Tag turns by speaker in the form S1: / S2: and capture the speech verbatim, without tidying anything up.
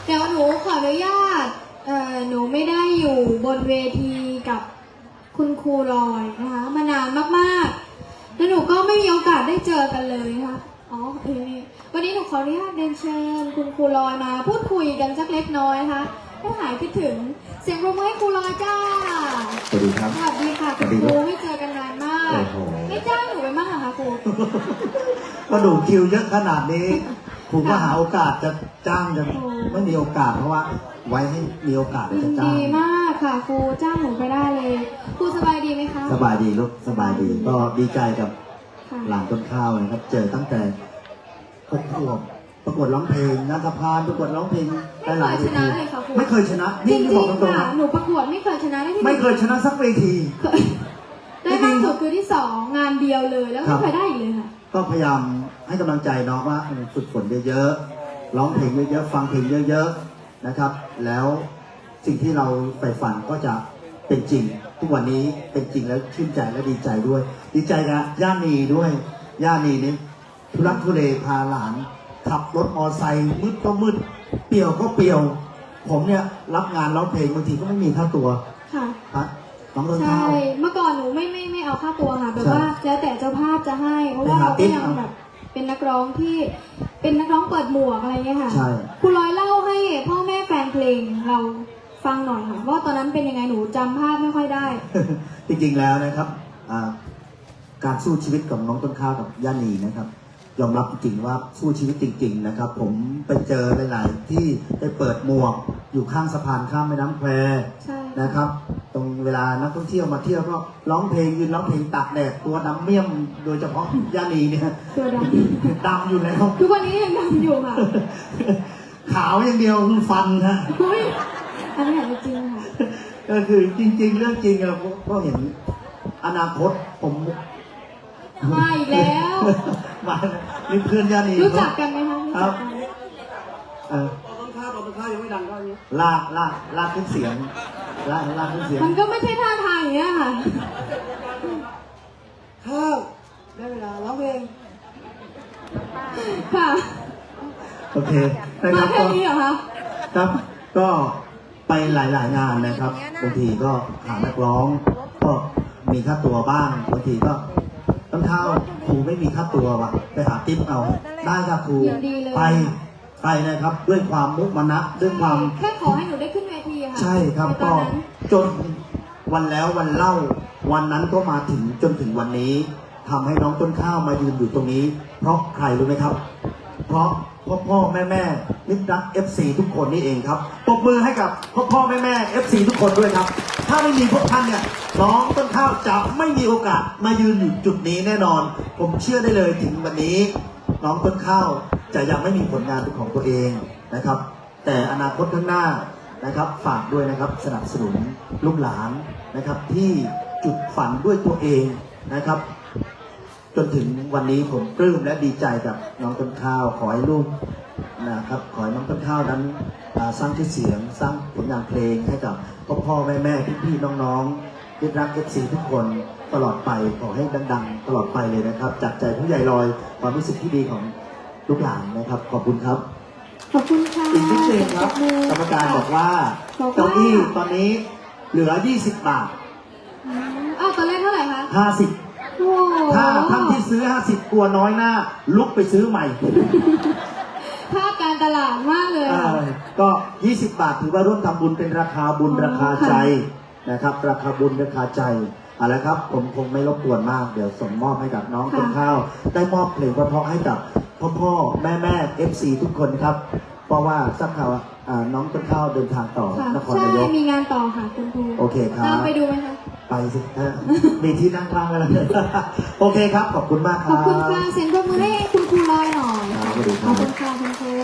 S1: เดี๋ยวหนูขออนุญาตเอ่อหนูไม่ได้อยู่บนเวทีกับคุณครูลอยนะคะมานานมากๆแล้วหนูก็ไม่มีโอกาสได้เจอกันเลยนะคะอ๋อเออวันนี้หนูขออนุญาตเรียนเชิญคุณครูลอยมาพูดคุยกันสักเล็กน้อยนะคะให้หายคิดถึงเสียงปรบมือให้ครูลอยจ้า
S2: สวัสดีครับ
S1: สวัสดีค่ะคุณครูไม่เจอกันนานมากไม่จ้างหนูไปมากเหรอคะครู
S2: ก็ดูคิวเยอะขนาดนี้ผมก็หาโอกาสจะจ้างจะไม่มีโอกาสเพราะว่าไว้ให้มีโอกาสจะจ้าง
S1: ดีมากค่ะครูจ้างหนูไปได้เลยครูสบายดีไหมคะ
S2: สบายดีลูกสบายดีก็ดีใจกับหลานต้นข้าวนะครับเจอตั้งแต่หกขวบประกวดร้องเพลงงานสะพานประกวดร้องเพลงหลายๆเวทีไม่เคยชนะนี่จะบอกตรงๆ
S1: หนูประกวดไม่เคยชนะได้ที่
S2: ไม่เคยชนะสักเวที
S1: ได้มากสุดคือที่สองงานเดียวเลยแล้วไม่เคยได้อีกเลยค่ะ
S2: ก็พยายามให้กำลังใจน้องว่าฝึกฝนเยอะๆร้องเพลงเยอะๆฟังเพลงเยอะๆนะครับแล้วสิ่งที่เราใฝ่ฝันก็จะเป็นจริงทุกวันนี้เป็นจริงแล้วชื่นใจและดีใจด้วยดีใจกับย่านีด้วยย่านีนี่ทุรักทุเลพาหลานขับรถมอไซค์มืดก็มืดเปี่ยวก็เปี่ยวผมเนี่ยรับงานร้องเพลงบางทีก็ไม่มีค่าตัว
S1: ค่ะ
S2: ครับน้องต้น
S1: ข้า
S2: ข้าว
S1: ใช่เมื่อก่อนหนูไม่ไม่ไม่เอาค่าตัวค่ะแบบว่าแล้วแต่เจ้าภาพจะให้เพราะว่าเราก็ยังแบบเป็นนักร้องที่เป็นนักร้องเปิดหมวกอะไรเงี้ยค่ะ
S2: ใช่
S1: ครูร้อยเล่าให้พ่อแม่แฟนเพลงเราฟังหน่อยค่ะว่าตอนนั้นเป็นยังไงหนูจำภาพไม่ค่อยได้
S2: จริงๆแล้วนะครับการสู้ชีวิตของน้องต้นข้าวกับย่านีนะครับยอมรับจริงๆว่าสู้ชีวิตจริงๆนะครับผมไปเจอหลายๆที่ได้เปิดหมวกอยู่ข้างสะพานข้ามแม่น้ำแควนะครับตรงเวลานักท่องเที่ยวมาเที่ยวก็ร้องเพลงยืนร้องเพลงตากแดดตัวดำเมี่ยมโดยเฉพาะย่านีเนี่ย
S1: ตัวด
S2: ำดำอยู่แล้ว
S1: ทุกวันนี้ยังดำอยู่ค่ะ
S2: ขาวอย่างเดียวคือฟันฮะ
S1: อันนี้จริงค่ะ
S2: ก็คือจริงๆเรื่องจริงเราก็เห็นอนาคตผม
S1: มาอีกแล้ว
S2: มานี่เพื่อนย่านี
S1: รู้จักกันไหมคะ
S2: ครับเออ
S3: ต้นข้าวต้นข้าวยังไม่ดังก็นี้
S2: ลากลากลากขึ้นเสียงลากลากขึ้นเสียง
S1: มันก็ไม่ใช่ท่าทางอย่างเงี้ยค่ะ
S3: ข้าวได้เวลาร้องเพลง
S1: ค่ะ
S2: โอเค
S1: มาแค่นี้เหรอคะ
S2: ครับก็ไปหลายๆงานนะครับบางทีก็หานักร้องก็มีค่าตัวบ้างบางทีก็ต้นข้าวครูไม่มีค่าตัวว่ะไปหาติ๊บเอาได้ครับครูไปไปนะครับด้วยความมุมานะด้วยความ
S1: แค่ขอให้หนูได้ขึ้นเวทีค่ะ
S2: ใช่ครับก็จนวันแล้ววันเล่าวันนั้นก็มาถึงจนถึงวันนี้ทำให้น้องต้นข้าวมายืนอยู่ตรงนี้เพราะใครรู้ไหมครับเพราะพ่อพ่อแม่แม่มิตรรัก เอฟ ซี ทุกคนนี่เองครับปรบมือให้กับพ่อพ่อแม่แม่ เอฟ ซี ทุกคนด้วยครับถ้าไม่มีพวกท่านเนี่ยน้องต้นข้าวจะไม่มีโอกาสมายืนอยู่จุดนี้แน่นอนผมเชื่อได้เลยถึงวันนี้น้องต้นข้าวจะยังไม่มีผลงานเป็นของตัวเองนะครับแต่อนาคตข้างหน้านะครับฝากด้วยนะครับสนับสนุนลูกหลานนะครับที่จุดฝันด้วยตัวเองนะครับจนถึงวันนี้ผมปลื้มและดีใจกับน้องต้นข้าวขอให้ลูกนะครับขอให้น้องต้นข้าวนั้นสร้างชื่อเสียงสร้างผลงานเพลงให้กับพ่อพ่อแม่แม่พี่พี่น้องๆที่รัก เอฟ ซี ทุกคนตลอดไปขอให้ดังๆตลอดไปเลยนะครับจากใจผู้ใหญ่ลอยความรู้สึกที่ดีของลูกหลานนะครับขอบคุณครับ
S1: ขอบคุณค่ะ
S2: อีกนิดนึงครับกรรมการบอกว่าเก้าอี้ตอนนี้เหลือยี่สิบบาท
S1: อ้าวตอนแรกเท่าไหร่คะ
S2: ห้าสิบถ้าท่านที่ซื้อห้าสิบกลัวน้อยหน้าลุกไปซื้อใหม่
S1: ถ้าการตลาดมากเลย
S2: ก็ยี่สิบบาทถือว่าร่วมทำบุญเป็นราคาบุญราคาใจนะครับราคาบุญราคาใจเอาละครับผมคงไม่รบกวนมากเดี๋ยวส่งมอบให้กับน้องต้นข้าวได้มอบเพลงเพราะๆให้กับพ่อพ่อแม่แม่ เอฟ ซี ทุกคนครับเพราะว่าทราบข่าวน้องต้นข้าวเดินทางต่อนครนายก
S1: ใช่มีงานต่อค่ะคุณครู
S2: โอเคครับ
S1: ตามไปดูไหมคะ
S2: ไปสิมีที่นั่งข้างกันแล้วโอเคครับขอบคุณมากครับ
S1: ขอบคุณค่ะเสียงปรบมือให้คุณครูลอยหน่อยขอบคุณค่ะคุณครู